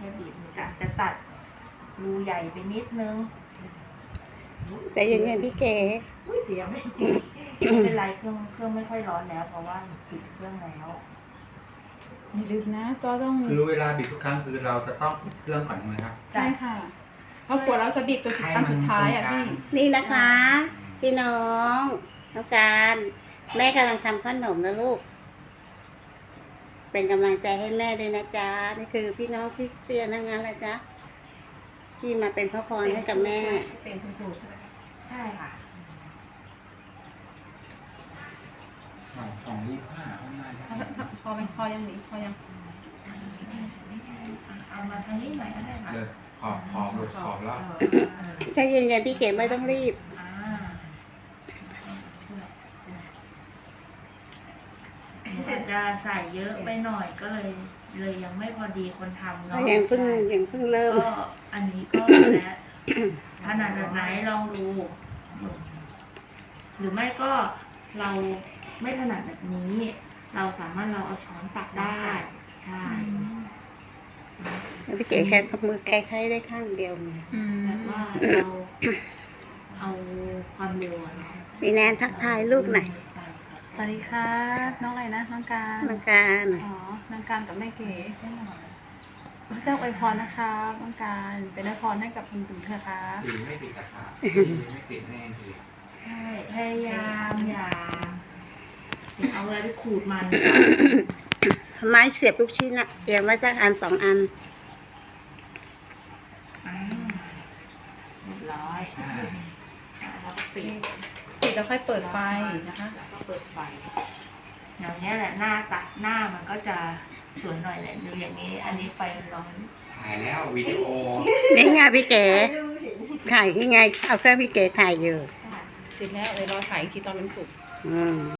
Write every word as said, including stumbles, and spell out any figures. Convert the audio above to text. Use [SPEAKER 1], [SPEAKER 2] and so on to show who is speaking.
[SPEAKER 1] ค่อยบีบจะจะตัดรูใหญ่ไปนิดนึง
[SPEAKER 2] แต่ยังไงพี่เก๋
[SPEAKER 1] อุ้ยเสียงไม่ไม่เป็นไรเครื่องเครื่องไม่ค่อยร้อนแล้ว เพราะว่าปิดเครื่องแล้ว
[SPEAKER 3] อย่าลืมนะก็ต้อง
[SPEAKER 4] คือเวลาบีบทุกครั้งคือเราจะต้องปิดเครื่องก่อนใช่ไหมครับ
[SPEAKER 3] ใช่ค่ะเพราะกลัวเราจะบีบตัวสุดท้ายสุดท้ายอ่ะพี่
[SPEAKER 2] นี่นะคะ พี่น้องน้องการแม่กำลังทำขนมนะลูก เป็นกำลังใจให้แม่ด้วยนะจ๊ะนี่คือพี่น้องคริสเตียนทั้งนั้นแหละจ๊ะที่มาเป็นพระพรให้กับแม่
[SPEAKER 1] เป็นคุณครูใช่ไหมใช่ค่ะ
[SPEAKER 4] สองสองยี่ห้าข้างหน้าได้
[SPEAKER 3] พอไหมพอยังหนีพอยัง
[SPEAKER 1] เอามาทางนี้หน่อยก็ได้ค่ะ
[SPEAKER 4] เลยขอบขอบหลุดขอบแล้ว
[SPEAKER 2] ใจเย็นๆพี่เก๋ไม่ต้องรีบ
[SPEAKER 1] อ่าแต่จะใส่เยอะไปหน่อยก็เลย เลยยังไม่พอดีคนทำเนาะ
[SPEAKER 2] ยังเพิ่งยังเพิ่งเริ่ม
[SPEAKER 1] ก็อันนี้ก็แล้วถนัดแบบไหนลองดู หรือไม่ก็เราไม่ถนัดแบบนี้ เราสามารถเราเอาช้อนตักได้ใช่
[SPEAKER 2] พี่เก๋แค่มือแก้ไขได้ข้างเดียว
[SPEAKER 3] อืม
[SPEAKER 1] แบบว่าเราเอาความเร็วอะเนาะ
[SPEAKER 2] พี่แนนทักทายลูกหน่อย
[SPEAKER 3] สวัสดีค่ะน้องอะไรนะน้องการ
[SPEAKER 2] น้องการ
[SPEAKER 3] อ๋อน้องการกับแม่เก๋ใช่ไหมพระเจ้าอวยพรนะคะน้องการเป็นอวยพรให้กับคุณตุ๋นเถอะค่ะ
[SPEAKER 4] หรือไม่ติดตะขาบไม่ติดแน่ที
[SPEAKER 1] ใช่พยายามอย่าอย่าเอาอะไรไปขูดมัน
[SPEAKER 2] ไม้เสียบลูกชิ้นอะเตรียมไว้สักอันสองอัน
[SPEAKER 1] อ่าเรียบร้อยอ่าแล้วก็ปิด
[SPEAKER 3] ปิดแล้วค่อยเปิดไฟนะคะ
[SPEAKER 1] แล้วก็เปิดไฟอย่างนี้ยแหละหน้าตัดหน้ามันก็จะสวยหน่อยแหละดูอย่างนี้ อันนี้ไฟมันร้อน
[SPEAKER 4] ถ่ายแล้ววิดีโอ
[SPEAKER 2] นี่ไงพี่เก๋ถ่ายยังไง เอาเครื่องพี่เก๋ถ่ายอยู่
[SPEAKER 3] เสร็จแล้วเออรอถ่ายอีกทีตอนมันสุก
[SPEAKER 2] อืม